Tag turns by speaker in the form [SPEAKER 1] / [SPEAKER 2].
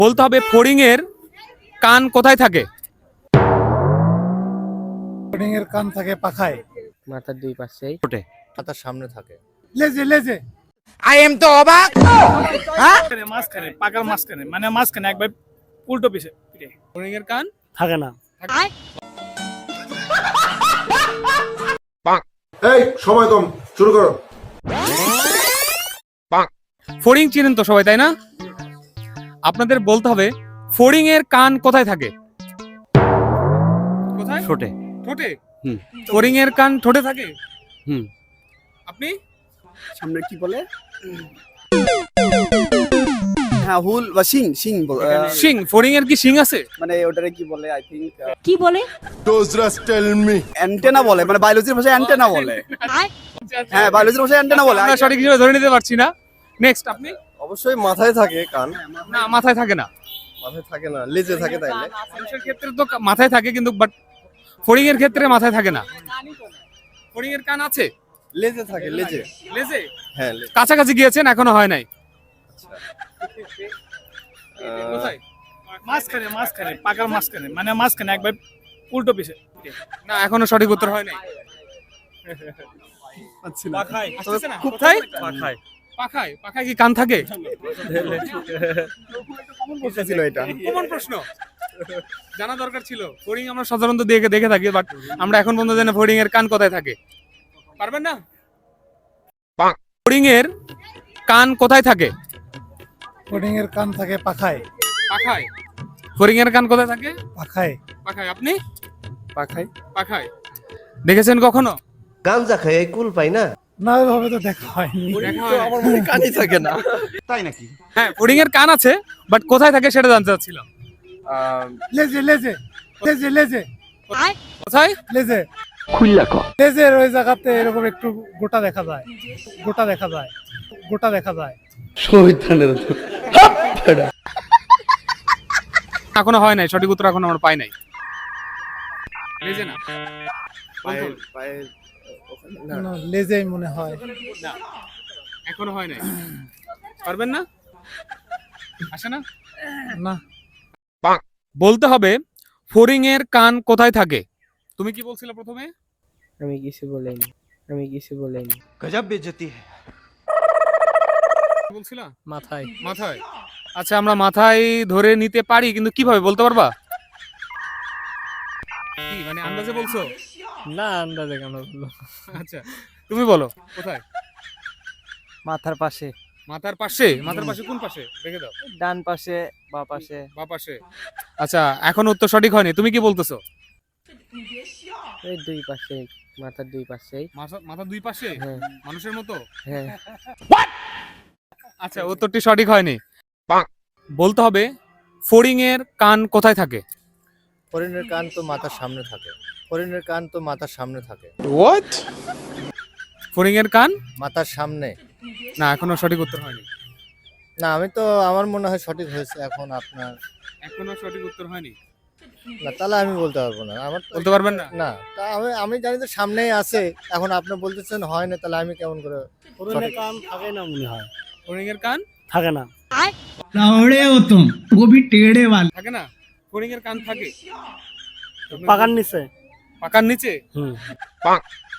[SPEAKER 1] বলতে হবে ফড়িং এর কান কোথায় থাকে?
[SPEAKER 2] ফড়িং এর কান থাকে পাখায়,
[SPEAKER 3] মাথার দুই পাশেই,
[SPEAKER 1] ঠোঁটে,
[SPEAKER 4] মাথার সামনে থাকে।
[SPEAKER 2] লেজে লেজে।
[SPEAKER 5] মাঝখানে পাকার মাঝখানে মানে মাঝখানে একবার উল্টো পিছে পিঠে।
[SPEAKER 1] ফড়িং এর কান
[SPEAKER 2] থাকে না।
[SPEAKER 6] এই সময় কম, শুরু করো।
[SPEAKER 1] ফড়িং চিনেন তো সবাই, তাই না? আপনাদের বলতে হবে ফড়িং এর কান কোথায় থাকে? কোথায়?
[SPEAKER 3] ঠোঁটে।
[SPEAKER 1] ঠোঁটে।
[SPEAKER 3] হুম।
[SPEAKER 1] ফড়িং এর কান ঠোঁটে থাকে।
[SPEAKER 3] হুম।
[SPEAKER 1] আপনি?
[SPEAKER 7] সামনে কি বলে? হ্যাঁ, হুল বা শিং শিং
[SPEAKER 1] শিং। ফড়িং এর কি শিং আছে?
[SPEAKER 7] মানে ওটারে কি বলে? আই থিংক
[SPEAKER 8] কি বলে?
[SPEAKER 7] অ্যান্টেনা বলে, মানে বায়োলজির ভাষায় অ্যান্টেনা বলে। হ্যাঁ, বায়োলজির ভাষায় অ্যান্টেনা বলে।
[SPEAKER 1] আমরা সঠিক হিসেবে ধরে নিতে পারছি না। নেক্সট আপনি?
[SPEAKER 4] অবশ্যই মাথায় থাকে কান।
[SPEAKER 1] না, মাথায় থাকে না।
[SPEAKER 4] মাথায় থাকে না, লেজে থাকে। তাইলে
[SPEAKER 1] মানুষের ক্ষেত্রে তো মাথায় থাকে, কিন্তু বাট ফড়িং এর ক্ষেত্রে মাথায় থাকে না। ফড়িং এর কান আছে,
[SPEAKER 4] লেজে থাকে, লেজে।
[SPEAKER 1] লেজে।
[SPEAKER 4] হ্যাঁ, লেজে।
[SPEAKER 1] কাছাকাছি গিয়েছেন, এখনো হয় নাই। কোথায়?
[SPEAKER 5] মাঝখানে মাঝখানে পাকার মাঝখানে মানে মাঝখানে একবার উল্টো পিছে পিঠে।
[SPEAKER 1] না, এখনো সঠিক উত্তর হয় নাই।
[SPEAKER 5] পাখায়।
[SPEAKER 1] আসতেছে না? কোথায়?
[SPEAKER 5] পাখায়।
[SPEAKER 1] পাখায়। পাখায় কি কান থাকে?
[SPEAKER 4] ছিল এটা।
[SPEAKER 1] কমন প্রশ্ন, জানা দরকার ছিল। ফড়িং আমরা সাধারণত দেখে থাকি, বাট আমরা এখন পর্যন্ত জানি ফড়িং এর কান কোথায় থাকে। পারবেন না? ফড়িং এর কান কোথায় থাকে?
[SPEAKER 2] ফড়িং এর কান থাকে পাখায়,
[SPEAKER 1] পাখায়। ফড়িং এর কান কোথায় থাকে?
[SPEAKER 2] পাখায়।
[SPEAKER 1] পাখায়। আপনি?
[SPEAKER 4] পাখায়।
[SPEAKER 1] পাখায়। দেখেছেন কখনো?
[SPEAKER 4] গাঞ্জা খাই কুল পাই না।
[SPEAKER 2] না, ওইভাবে তো দেখা হয়নি।
[SPEAKER 1] দেখা হয় নাই।
[SPEAKER 4] আমার মনে কানই থাকে না।
[SPEAKER 1] হ্যাঁ, ফড়িং এর কান আছে, বাট কোথায় থাকে সেটা জানতে চাচ্ছিলাম।
[SPEAKER 2] লেজে লেজে লেজে লেজে
[SPEAKER 1] কোথায়?
[SPEAKER 2] লেজে। লেজের ওই জায়গাতে এরকম একটু গোটা দেখা যায়, গোটা দেখা যায়, গোটা দেখা যায়।
[SPEAKER 1] এখনো হয় নাই, সঠিক উত্তর এখনো আমরা পাই নাই। লেজে না।
[SPEAKER 4] পায়ের পায়ের ওখানে না।
[SPEAKER 2] না, লেজেই মনে হয়।
[SPEAKER 1] না, এখনো হয় নাই। পারবেন না? আসে না?
[SPEAKER 2] না,
[SPEAKER 1] বলতে হবে ফড়িং এর কান কোথায় থাকে। তুমি কি বলছিলে প্রথমে?
[SPEAKER 3] আমি কিছু বলিনি, আমি কিছু বলিনি।
[SPEAKER 1] কি বলছিলা?
[SPEAKER 3] মাথায়।
[SPEAKER 1] মাথায়। আচ্ছা, আমরা মাথায় ধরে নিতে পারি, কিন্তু কিভাবে বলতে পারবা? কি মানে আন্দাজে বলছো?
[SPEAKER 3] না, আন্দাজে কেন বললো?
[SPEAKER 1] আচ্ছা, তুমি বলো কোথায়?
[SPEAKER 3] মাথার পাশে,
[SPEAKER 1] মাথার পাশে। মাথার পাশে কোন পাশে? দেখে দাও।
[SPEAKER 3] ডান পাশে, বা পাশে।
[SPEAKER 1] বা পাশে। আচ্ছা, এখন উত্তর সঠিক হয়নি। তুমি কি বলতেছো?
[SPEAKER 3] এই দুই পাশে, মাথার দুই পাশেই।
[SPEAKER 1] মাথা দুই পাশে
[SPEAKER 3] হ্যাঁ।
[SPEAKER 1] মানুষের মতো?
[SPEAKER 3] হ্যাঁ।
[SPEAKER 1] আচ্ছা, উত্তরটি সঠিক হয়নি। বলতে হবে ফড়িং এর কান কোথায় থাকে?
[SPEAKER 4] হরিণের কান তো মাথার সামনে থাকে। হরিণের কান তো মাথার সামনে থাকে।
[SPEAKER 1] ফড়িং এর কান
[SPEAKER 4] মাথার সামনে।
[SPEAKER 1] না, এখনো সঠিক উত্তর হয়নি।
[SPEAKER 4] না, আমি তো আমার মনে হয় সঠিক হয়েছে। এখন আপনার
[SPEAKER 1] এখনো সঠিক উত্তর হয়নি।
[SPEAKER 4] না, তাহলে আমি বলতে পারবো না। আমার তো
[SPEAKER 1] বলতে পারবেন না?
[SPEAKER 4] না, তা আমি জানি তো সামনেই আছে। এখন আপনি বলতেছেন হয় না, তাহলে আমি কেমন করে?
[SPEAKER 2] ফড়িং এর কান থাকে না মনে হয়।
[SPEAKER 1] ফড়িং এর কান
[SPEAKER 2] থাকে না।
[SPEAKER 5] लौड़े हो तुम, वो भी टेढ़े वाले।
[SPEAKER 1] থাকে না? ফড়িং এর কান থাকে
[SPEAKER 2] পাকার নিচে।
[SPEAKER 1] পাকার নিচে।